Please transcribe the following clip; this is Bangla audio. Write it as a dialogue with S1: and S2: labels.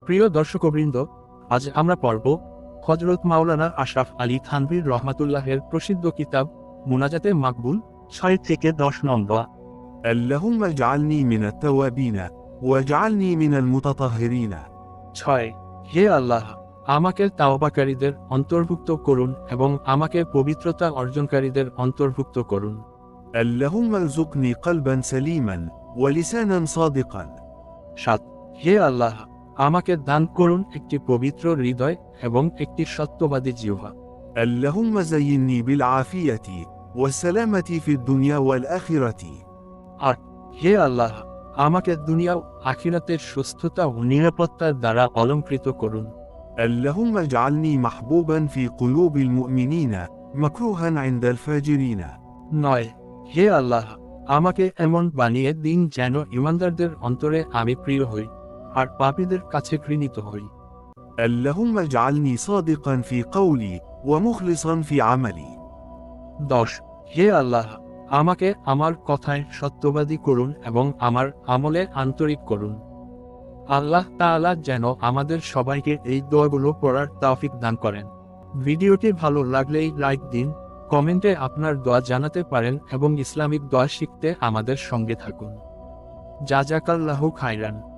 S1: প্রিয় দর্শকবৃন্দ, আজ আমরা পড়ব হযরত মাওলানা আশরাফ আলী থানভীর রহমাতুল্লাহের প্রসিদ্ধ কিতাব মুনাজাতে মাকবুল 6 থেকে 10 নং দোয়া।
S2: اللهم اجعلني من التوابين واجعلني من المتطهرين
S1: 6। হে আল্লাহ, আমাকে তাওবাকারীদের অন্তর্ভুক্ত করুন এবং আমাকে পবিত্রতা অর্জনকারীদের অন্তর্ভুক্ত করুন।
S2: اللهم ارزقني قلبا سليما ولسانا صادقا
S1: 7। হে আল্লাহ, আমাকে দান করুন একটি পবিত্র হৃদয় এবং একটি সত্যবাদী জিহ্বা।
S2: اللهم زيني بالعافية والسلامة في الدنيا والآخرة
S1: 8। হে আল্লাহ, আমাকে দুনিয়া ও আখিরাতের সুস্থতা ও নিরাপত্তার দ্বারা অলঙ্কৃত করুন।
S2: اللهم اجعلني محبوبا في قلوب المؤمنين مكروها عند الفاجرين
S1: 9। হে আল্লাহ, আমাকে এমন বানিয়ে দিন যেন ইমানদারদের অন্তরে আমি প্রিয় হই আর পাপীদের কাছে ঘৃণিত হই।
S2: اللهم اجعلني صادقا في قولي ومخلصا في عملي
S1: 10। হে আল্লাহ, আমাকে আমার কথায় সত্যবাদী করুন এবং আমার আমলে আন্তরিক করুন। আল্লাহ তাআলা যেন আমাদের সবাইকে এই দোয়াগুলো পড়ার তৌফিক দান করেন। ভিডিওটি ভালো লাগলেই লাইক দিন, কমেন্টে আপনার দোয়া জানাতে পারেন এবং ইসলামিক দোয়া শিখতে আমাদের সঙ্গে থাকুন। জাযাকাল্লাহু খাইরান।